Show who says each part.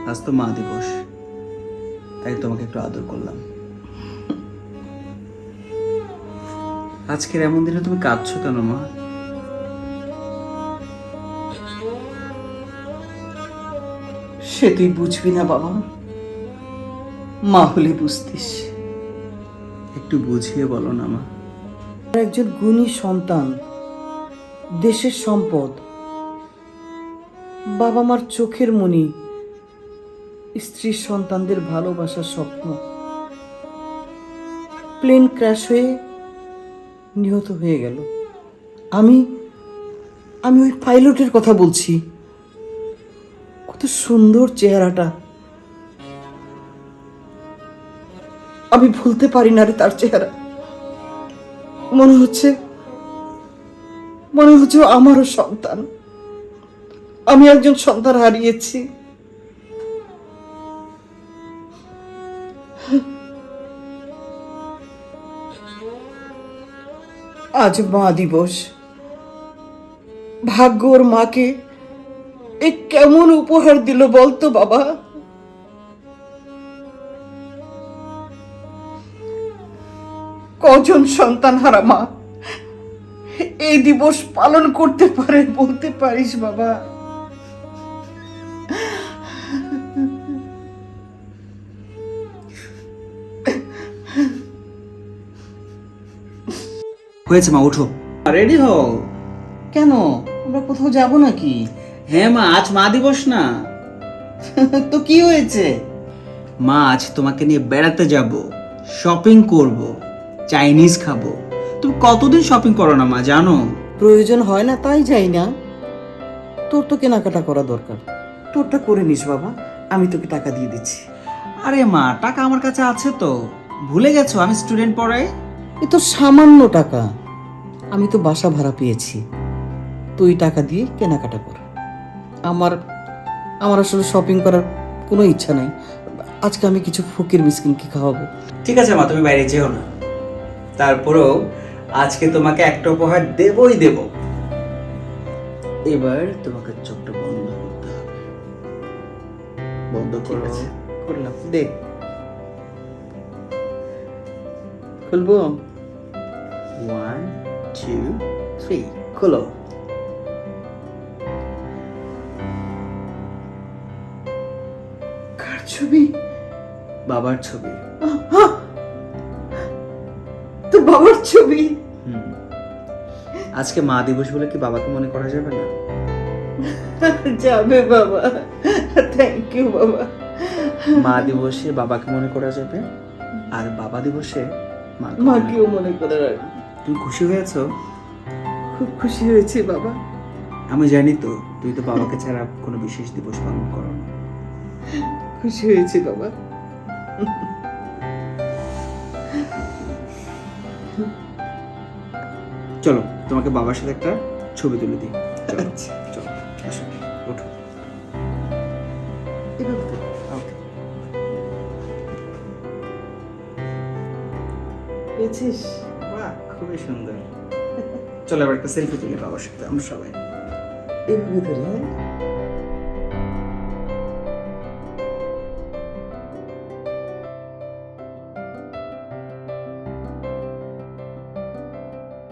Speaker 1: আজ তো মা দিবস, তাই তোমাকে একটু আদর করলাম। আজকের এমন দিনে তুমি কাঁদছো কেন মা?
Speaker 2: সে তুই বুঝবি না বাবা, মা হলে বুঝতিস।
Speaker 1: একটু বুঝিয়ে বলো না মা।
Speaker 2: একজন গুণী সন্তান, দেশের সম্পদ, বাবা মার চোখের মণি, স্ত্রীর সন্তানদের ভালোবাসার স্বপ্ন প্লেন ক্র্যাশ হয়ে নিহত হয়ে গেল। আমি আমি ওই পাইলটের কথা বলছি। কত সুন্দর চেহারাটা, আমি ভুলতে পারি না রে তার চেহারা। মনে হচ্ছে ও আমারও সন্তান। আমি একজন সন্তান হারিয়েছি। আজ মা দিবস। ভাগ্য ওর মাকে এ কেমন উপহার দিল বলতো বাবা? কজন সন্তান হারা মা এই দিবস পালন করতে পারে বলতে পারিস বাবা?
Speaker 1: হয়েছে মা, ওঠো, রেডি হও।
Speaker 2: কেন, আমরা কোথাও যাব নাকি?
Speaker 1: হ্যাঁ মা, আজ মা দিবস না।
Speaker 2: তো কি হয়েছে?
Speaker 1: মা, আজ তোমাকে নিয়ে বেড়াতে যাব, শপিং করব, চাইনিজ খাবো। তুমি কতদিন শপিং করো না মা, জানো?
Speaker 2: প্রয়োজন হয় না তাই যাই না। তোর তো কেনাকাটা করা দরকার, তোরটা করে নিস বাবা, আমি তোকে টাকা দিয়ে দিচ্ছি।
Speaker 1: আরে মা, টাকা আমার কাছে আছে তো, ভুলে গেছো আমি স্টুডেন্ট পড়াই।
Speaker 2: এ তো সামান্য টাকা, আমি তো বাসা ভাড়া পেয়েছি। তুই টাকা দিয়ে কেনাকাটা কর। আমার আমার আসলে শপিং করার কোনো ইচ্ছা নাই। আজকে আমি কিছু ফকির মিসকিনকে খাওয়াবো।
Speaker 1: ঠিক আছে মা, তুমি বাইরে যেও না। তারপরেও আজকে তোমাকে একটা উপহার দেবই দেব। এবার তোমাকে চোখটা বন্ধ করতে হবে। বন্ধ
Speaker 2: ঠিক
Speaker 1: করো।
Speaker 2: আছে, করলাম। দে, খুলবো।
Speaker 1: 1 2 3, খোলো।
Speaker 2: কার ছবি?
Speaker 1: বাবার ছবি।
Speaker 2: তোর বাবার ছবি?
Speaker 1: আজকে মা দিবস বলে কি বাবাকে মনে করা যাবে না?
Speaker 2: যাবে বাবা, থ্যাংক ইউ বাবা।
Speaker 1: মা দিবসে বাবাকে মনে করা যাবে, আর বাবা দিবসে
Speaker 2: মাকেও মনে করে রাখবো।
Speaker 1: তুমি খুশি হয়েছো?
Speaker 2: খুব খুশি হয়েছি বাবা।
Speaker 1: আমি জানি তো, তুই তো বাবাকে ছাড়া কোনো বিশেষ দিবস পালন করো না।
Speaker 2: খুশি হয়েছি বাবা।
Speaker 1: চলো, তোমাকে বাবার সাথে একটা ছবি তুলে দিই। চলো
Speaker 2: আচ্ছা,
Speaker 1: চলো, আসো, ওঠো।
Speaker 2: এভাবে তো।
Speaker 1: ওকে।
Speaker 2: পেয়েছিস?
Speaker 1: বাহ, খুবই সুন্দর। চলো এবার একটা সেলফি তুলি বাবার সাথে আমরা সবাই।
Speaker 2: এভাবে ধরে, হ্যাঁ?